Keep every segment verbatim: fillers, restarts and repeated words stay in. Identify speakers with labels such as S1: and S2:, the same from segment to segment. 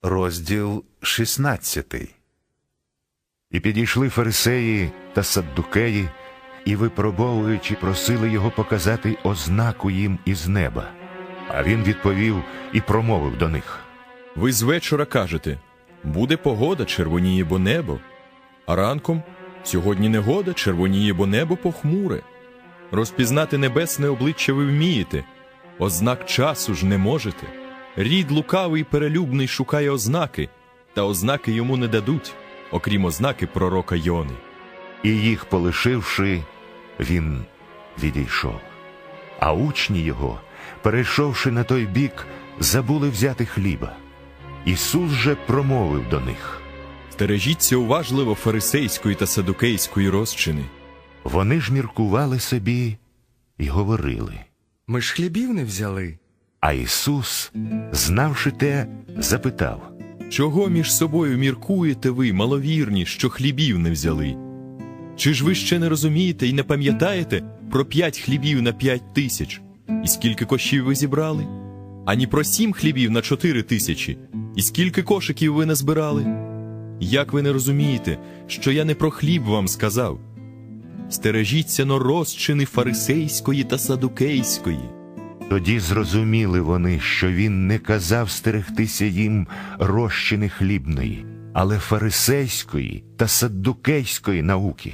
S1: Розділ шістнадцятий. І підійшли фарисеї та саддукеї, і, випробовуючи, просили його показати ознаку їм із неба. А він відповів і промовив до них:
S2: «Ви з вечора кажете, буде погода, червоніє бо небо, а ранком сьогодні негода, червоніє бо небо похмуре. Розпізнати небесне обличчя ви вмієте, ознак часу ж не можете. Рід лукавий і перелюбний шукає ознаки, та ознаки йому не дадуть, окрім ознаки пророка Йони».
S1: І їх полишивши, він відійшов. А учні його, перейшовши на той бік, забули взяти хліба. Ісус же промовив до них:
S2: «Стережіться уважливо фарисейської та садукейської розчини».
S1: Вони ж міркували собі і говорили:
S3: «Ми ж хлібів не взяли».
S1: А Ісус, знавши те, запитав:
S2: «Чого між собою міркуєте ви, маловірні, що хлібів не взяли? Чи ж ви ще не розумієте і не пам'ятаєте про п'ять хлібів на п'ять тисяч? І скільки кошів ви зібрали? Ані про сім хлібів на чотири тисячі? І скільки кошиків ви не збирали? Як ви не розумієте, що я не про хліб вам сказав? Стережіться но розчини фарисейської та садукейської».
S1: Тоді зрозуміли вони, що він не казав стерегтися їм розчини хлібної, але фарисейської та саддукейської науки.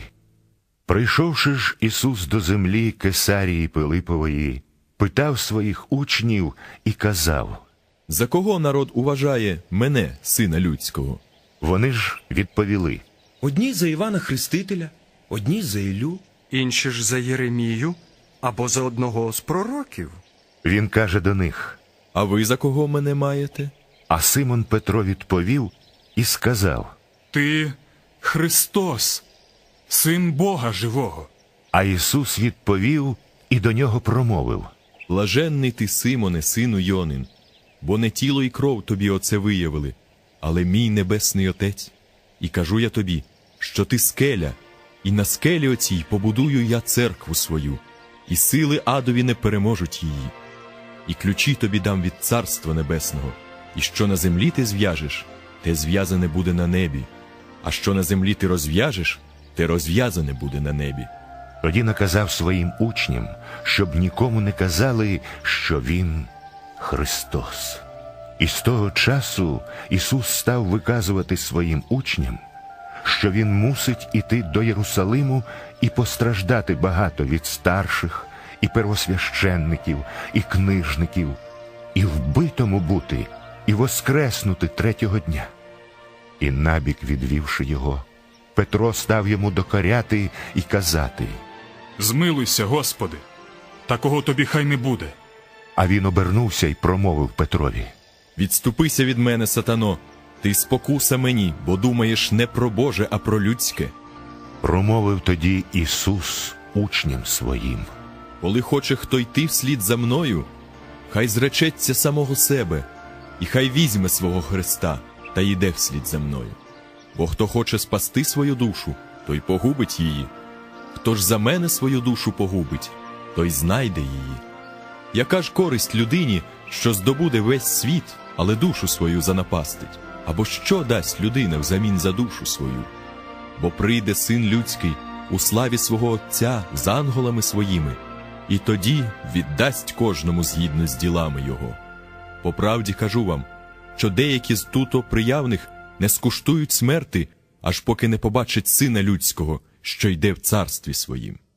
S1: Прийшовши ж Ісус до землі Кесарії Пилипової, питав своїх учнів і казав:
S2: «За кого народ уважає мене, Сина Людського?»
S1: Вони ж відповіли:
S4: Одні за Івана Хрестителя, одні за Іллю,
S3: Інші ж за Єремію або за одного з пророків.
S1: Він каже до них:
S2: «А ви за кого мене маєте?»
S1: А Симон Петро відповів і сказав:
S5: «Ти Христос, Син Бога живого».
S1: А Ісус відповів і до нього промовив:
S2: «Блаженний ти, Симоне, сину Йонин, бо не тіло і кров тобі оце виявили, але мій небесний Отець. І кажу я тобі, що ти скеля, і на скелі оцій побудую я церкву свою, і сили адові не переможуть її. І ключі тобі дам від Царства Небесного, і що на землі ти зв'яжеш, те зв'язане буде на небі, а що на землі ти розв'яжеш, те розв'язане буде на небі».
S1: Тоді наказав своїм учням, щоб нікому не казали, що він Христос. І з того часу Ісус став виказувати своїм учням, що він мусить іти до Єрусалиму і постраждати багато від старших, і первосвященників, і книжників, і вбитому бути, і воскреснути третього дня. І набік відвівши його, Петро став йому докоряти і казати:
S5: «Змилуйся, Господи, такого тобі хай не буде».
S1: А він обернувся і промовив Петрові:
S2: «Відступися від мене, сатано, ти спокуса мені, бо думаєш не про Боже, а про людське».
S1: Промовив тоді Ісус учням своїм:
S2: «Коли хоче хто йти вслід за мною, хай зречеться самого себе, і хай візьме свого Христа та йде вслід за мною. Бо хто хоче спасти свою душу, той погубить її. Хто ж за мене свою душу погубить, той знайде її. Яка ж користь людині, що здобуде весь світ, але душу свою занапастить? Або що дасть людина взамін за душу свою? Бо прийде Син Людський у славі свого Отця з ангелами своїми, і тоді віддасть кожному згідно з ділами його. По правді кажу вам, що деякі з туто приявних не скуштують смерти, аж поки не побачать Сина Людського, що йде в царстві своїм».